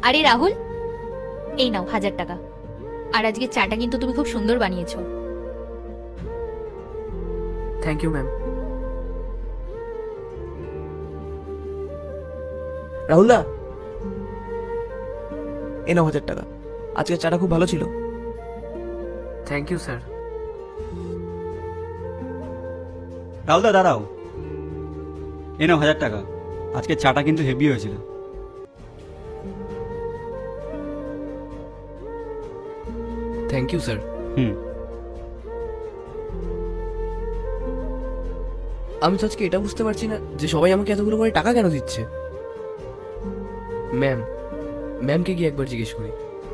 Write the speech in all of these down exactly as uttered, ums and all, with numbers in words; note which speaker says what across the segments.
Speaker 1: আরে রাহুল, এই নাও হাজার টাকা। আর আজকে চাটা কিন্তু তুমি খুব সুন্দর বানিয়েছো।
Speaker 2: Thank you ma'am. রাহুল দা, এ নাও হাজার টাকা। আজকে চাটা খুব ভালো ছিল।
Speaker 3: Thank you sir.
Speaker 4: রাহুলদা দাঁড়াও, এ নাও হাজার টাকা। আজকে চাটা কিন্তু হেভি হয়েছিল।
Speaker 3: Thank you sir.
Speaker 4: হুম।
Speaker 2: আমি তো আজকে এটা বুঝতে পারছি না যে সবাই আমাকে এতগুলো করে টাকা কেন দিচ্ছে। ম্যাম, ম্যামকে গিয়ে একবার জিজ্ঞেস করি।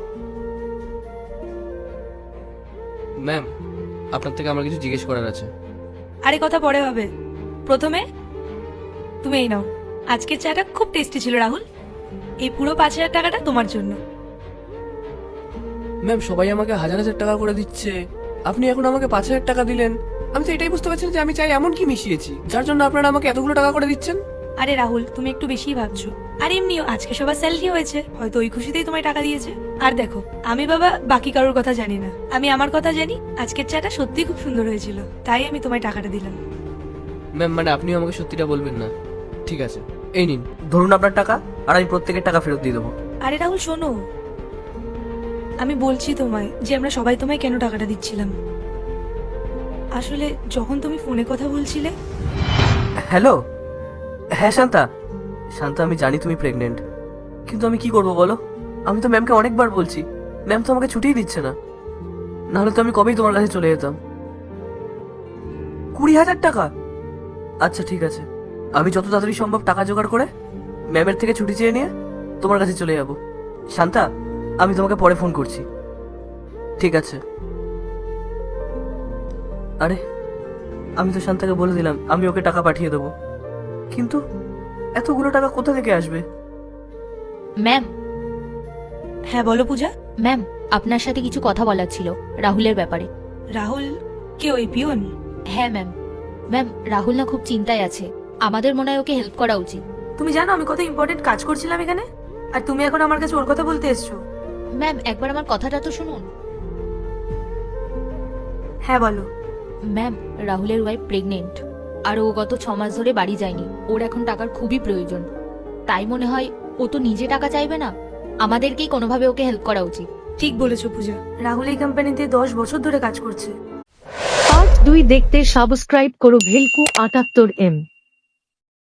Speaker 2: ম্যাম, আপনার থেকে আমার কিছু জিজ্ঞেস করার আছে।
Speaker 5: আরে কথা পরে হবে, প্রথমে তুমি এই নাও। আজকের চাটা খুব টেস্টি ছিল রাহুল, এই পুরো পাঁচ হাজার টাকাটা তোমার জন্য।
Speaker 2: ম্যাম, সবাই আমাকে হাজার হাজার টাকা করে দিচ্ছে, আপনি এখন আমাকে পাঁচ হাজার টাকা দিলেন। আমি তো এটাই বুঝতে পারছি না যে আমি চাই এমন কি মিশিয়েছি যার জন্য আপনারা আমাকে এতগুলো টাকা করে দিচ্ছেন।
Speaker 5: আরে রাহুল, তুমি একটু বেশিই ভাবছো। আর এমনিও আজকে সবার স্যালারি হয়েছে, হয়তো ওই খুশিতেই তোমায় টাকা দিয়েছে। আর দেখো, আমি বাবা বাকি কারোর কথা জানি না, আমি আমার কথা জানি। আজকের চাটা সত্যিই খুব সুন্দর হয়েছিল, তাই আমি তোমায় টাকাটা দিলাম।
Speaker 2: ম্যাম, মানে আপনিও আমাকে সত্যিটা বলবেন না? ঠিক আছে, এই নিন, ধরুন আপনার টাকা, আর আমি প্রত্যেকের টাকা ফেরত দিয়ে দেবো।
Speaker 5: আরে রাহুল শোনো, আমি বলছি তোমায় যে আমরা সবাই তোমায় কেন টাকাটা দিচ্ছিলাম। আসলে যখন তুমি ফোনে কথা বলছিলে।
Speaker 2: হ্যালো, হ্যাঁ শান্তা। শান্তা, আমি জানি তুমি প্রেগনেন্ট, কিন্তু আমি কি করব বলো? আমি তো ম্যামকে অনেকবার বলছি, ম্যাম তো আমাকে ছুটিই দিচ্ছে না। নাহলে তো আমি কবেই তোমার কাছে চলে যেতাম। কুড়ি হাজার টাকা? আচ্ছা ঠিক আছে, আমি যত তাড়াতাড়ি সম্ভব টাকা জোগাড় করে ম্যামের থেকে ছুটি চেয়ে নিয়ে তোমার কাছে চলে যাব। শান্তা, আমি তোমাকে পরে ফোন করছি। ঠিক আছে। আরে, আমি তো শান্তাকে বলে দিলাম আমি ওকে টাকা পাঠিয়ে দেবো, কিন্তু এতগুলো টাকা কোথা থেকে আসবে?
Speaker 1: ম্যাম,
Speaker 5: হ্যাঁ বলো পূজা।
Speaker 1: ম্যাম আপনার সাথে কিছু কথা বলার ছিল রাহুলের ব্যাপারে।
Speaker 5: রাহুল কে, ওই পিয়ন?
Speaker 1: হ্যাঁ ম্যাম। ম্যাম, রাহুল না খুব চিন্তায় আছে, আমাদের মনে হয় ওকে হেল্প করা উচিত।
Speaker 5: তুমি জানো আমি কত ইম্পর্টেন্ট কাজ করছিলাম এখানে, আর তুমি এখন আমার কাছে ওর কথা বলতে এসছো?
Speaker 1: ম্যাম একবার আমার কথাটা তো শুনুন।
Speaker 5: হ্যাঁ বলো।
Speaker 1: ম্যাম, রাহুলের ওয়াইফ প্রেগনেন্ট, আর ও গত ছ মাস ধরে বাড়ি যায়নি। ওর এখন টাকার খুবই প্রয়োজন, তাই মনে হয় ও তো নিজে টাকা চাইবে না, আমাদেরকেই কোনোভাবে ওকে হেল্প করা উচিত।
Speaker 5: ঠিক বলেছো পূজা, রাহুল এই কোম্পানিতে দশ বছর ধরে কাজ করছে।
Speaker 6: পার্ট দুই দেখতে সাবস্ক্রাইব করো ভেলকু আটাত্তর এম।